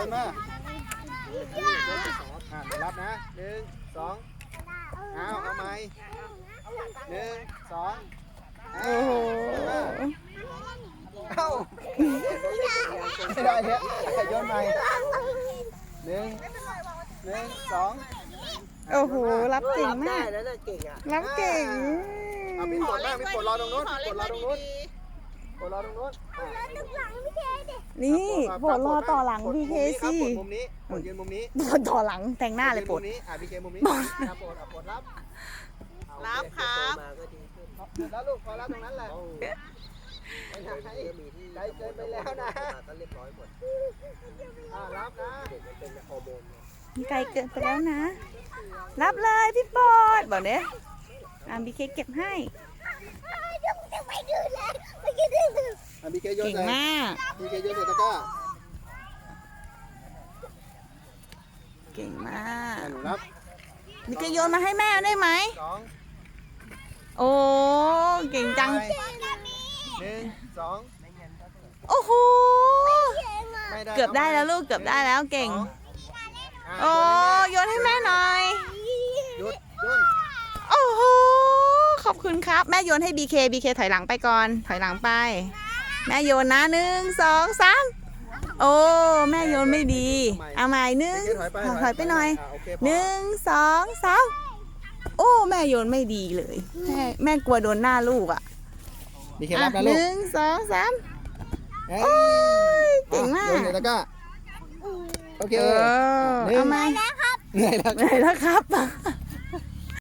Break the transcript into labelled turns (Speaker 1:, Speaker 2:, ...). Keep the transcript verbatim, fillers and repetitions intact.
Speaker 1: นมาอ่ารับนะหนึ่งสองเอาเอาไหมหนึ่งสอง
Speaker 2: โอ้โห
Speaker 1: เอ้าไม่ได้เนี่ยโยนใหม่หนึ่งหนึ่งสอง
Speaker 2: โอ้โหรับเก่งมาก
Speaker 3: แล้วน่ะเก่งอ่ะ
Speaker 2: รับเก่ง
Speaker 1: เอามีปวดบ้างมีปวดรอตรงนู้นปวดรอตรงนู้นปวดรอตรงนู้น
Speaker 2: นี่โปรดรอต่อหลัง บี เค สิ
Speaker 1: ปวดมุมนี้ปวดยืนมุมนี้
Speaker 2: โปรดต่อหลังแต่งหน้าเลยโปรด
Speaker 1: มุมนี้อ่ะ บี เค มุมนี้ปวดปวดรับ
Speaker 3: รับครับมาก็ดีขึ้น
Speaker 1: แล้วลูกพอรับตรงนั้นแหละ
Speaker 3: ไม่ทำให้มีที่
Speaker 1: ใจเกินไปแล้วนะ
Speaker 3: ก็เรียบร้อยหมด
Speaker 1: อ่ารับนะ
Speaker 3: เด็กมันเป็นฮอร์โมน
Speaker 2: ไกลเกินไปแล้วนะ รับเลยพี่โปรดบอกเนี้ยอ่ะ บี เค เก็บให้
Speaker 1: อ่ะ บี เค โยน
Speaker 2: เก่ง
Speaker 1: ใส่
Speaker 2: มาก
Speaker 1: บี เค โยนใส่ตะกร้า
Speaker 2: เก่งมาก
Speaker 1: อ่ะหนูรับ
Speaker 2: บี เค โยนมาให้แม่ได้ไหม
Speaker 1: สอง
Speaker 2: โอ้เก่งจัง
Speaker 1: หนึ่งสอง
Speaker 2: โอ้โห
Speaker 1: ไม่ได้
Speaker 2: เกือบได้แล้วลูกเกือบได้แล้วเก่ง
Speaker 1: อ่ะ
Speaker 2: โอ้โยนให้แม่หน่อย
Speaker 1: หยุดหยุด
Speaker 2: โอ้โหขอบคุณครับ แม่โยนให้ บี เค บี เค ถอยหลังไปก่อน ถอยหลังไป แม่โยนนะหนึ่งสองสามโอ้แม่โยนไม่ดีเอาใหม่หนึ่ง
Speaker 1: ถอยไป
Speaker 2: ถอยไปหน่อย
Speaker 1: ะโเคพอ
Speaker 2: หนึ่งสองสามโอ้แม่โยนไม่ดีเลยแม่แม่กลัวโดนหน้าลูกอ่ะ
Speaker 1: บีเค
Speaker 2: อ่ะ
Speaker 1: รับนะ
Speaker 2: ห
Speaker 1: ลูก
Speaker 2: นึ่งสองสาม
Speaker 1: เอ้ย
Speaker 2: โอ้ยเก่งมาก
Speaker 1: โยนใส่ตะกร้าโอเค
Speaker 2: เออ
Speaker 1: หนึ่ง
Speaker 2: เอาไหม
Speaker 1: เหนื่อยแล้ว
Speaker 2: เหนื่อยแล้วครับ